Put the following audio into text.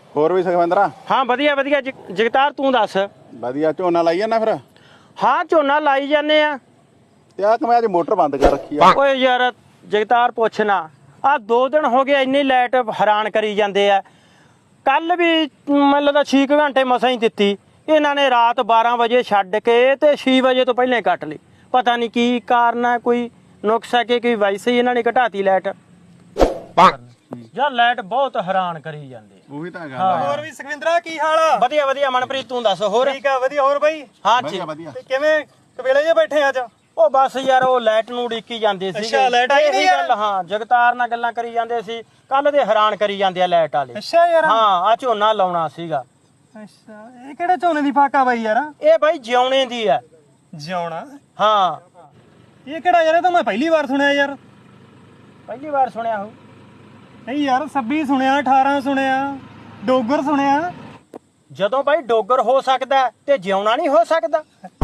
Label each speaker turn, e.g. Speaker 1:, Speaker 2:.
Speaker 1: ਹੋਰ ਵੀ ਸੁਖਵਿੰਦਰਾ?
Speaker 2: ਹਾਂ ਵਧੀਆ ਵਧੀਆ ਜਗਤਾਰ ਤੂੰ ਦੱਸ।
Speaker 1: ਵਧੀਆ। ਝੋਨਾ ਲਾਈ ਜਾਂਦਾ ਫਿਰ?
Speaker 2: ਹਾਂ ਝੋਨਾ ਲਾਈ ਜਾਂਦੇ ਆ।
Speaker 1: ਤੇ ਆ ਕਿ ਮੈਂ ਅੱਜ ਮੋਟਰ ਬੰਦ ਕਰ ਰੱਖੀ ਆ।
Speaker 2: ਓਏ ਯਾਰ ਜਗਤਾਰ ਪੁੱਛਣਾ, ਆ 2 ਦਿਨ ਹੋ ਗਏ ਇੰਨੀ ਲਾਈਟ ਹੈਰਾਨ ਕਰੀ ਜਾਂਦੇ ਆ। ਕੱਲ ਵੀ ਮੈਨੂੰ ਲੱਗਦਾ 6 ਘੰਟੇ ਮਸਾਂ ਹੀ ਦਿੱਤੀ ਇਹਨਾਂ ਨੇ। ਰਾਤ 12 ਵਜੇ ਛੱਡ ਕੇ ਤੇ 6 ਵਜੇ ਤੋਂ ਪਹਿਲਾਂ ਹੀ ਕੱਟ ਲਈ। ਪਤਾ ਨਹੀਂ ਕੀ ਕਾਰਨ ਹੈ, ਕੋਈ ਨੁਕਸ ਹੈ ਕਿ ਵੈਸੇ ਹੀ ਇਹਨਾਂ ਨੇ ਘਟਾਤੀ ਲਾਈਟ। ਯਾਰ ਲਾਈਟ ਬਹੁਤ ਹੈਰਾਨ ਕਰੀ ਜਾਂਦੇ।
Speaker 1: ਉਹੀ ਤਾਂ ਗੱਲ ਆ।
Speaker 3: ਹੋਰ ਵੀ ਸੁਖਵਿੰਦਰਾ ਕੀ ਹਾਲ ਆ?
Speaker 2: ਵਧੀਆ ਵਧੀਆ ਮਨਪ੍ਰੀਤ ਤੂੰ ਦੱਸ। ਹੋਰ
Speaker 3: ਠੀਕ ਆ ਵਧੀਆ। ਹੋਰ ਬਾਈ
Speaker 2: ਹਾਂ
Speaker 1: ਵਧੀਆ ਵਧੀਆ।
Speaker 3: ਤੇ ਕਿਵੇਂ ਕਵੇਲੇ ਜੇ ਬੈਠੇ ਅੱਜ?
Speaker 2: ਉਹ ਬਸ ਯਾਰ ਉਹ ਲਾਈਟ ਨੂੰ ਉਡੀਕੀ ਜਾਂਦੇ ਸੀ।
Speaker 3: ਅੱਛਾ, ਲਾਈਟ ਆਈ ਨੀ ਯਾਰ?
Speaker 2: ਹਾਂ ਜਗਤਾਰ ਨਾਲ ਗੱਲਾਂ ਕਰੀ ਜਾਂਦੇ ਸੀ ਕੱਲ ਦੇ। ਹੈਰਾਨ ਕਰੀ ਜਾਂਦੇ ਆ ਲਾਈਟ ਵਾਲੇ।
Speaker 3: ਅੱਛਾ ਯਾਰ।
Speaker 2: ਹਾਂ ਆ ਝੋਨਾ ਲਾਉਣਾ ਸੀਗਾ।
Speaker 3: ਅੱਛਾ ਇਹ ਕਿਹੜੇ ਝੋਨੇ ਦੀ ਫਾਕਾ ਬਾਈ ਯਾਰ?
Speaker 2: ਇਹ ਬਾਈ ਜਿਉਣੇ ਦੀ ਆ।
Speaker 3: ਜਿਉਣਾ?
Speaker 2: ਹਾਂ
Speaker 3: ਇਹ ਕਿਹੜਾ ਯਾਰ? ਇਹ ਤਾਂ ਮੈਂ ਪਹਿਲੀ ਵਾਰ ਸੁਣਿਆ ਯਾਰ।
Speaker 2: ਪਹਿਲੀ ਵਾਰ ਸੁਣਿਆ ਹੋ?
Speaker 3: ਨਹੀਂ ਯਾਰ 26 ਸੁਣਿਆ, 18 ਸੁਣਿਆ, ਡੋਗਰ ਸੁਣਿਆ।
Speaker 2: ਜਦੋਂ ਬਾਈ ਡੋਗਰ ਹੋ ਸਕਦਾ ਤੇ ਜਿਉਣਾ ਨਹੀਂ ਹੋ ਸਕਦਾ।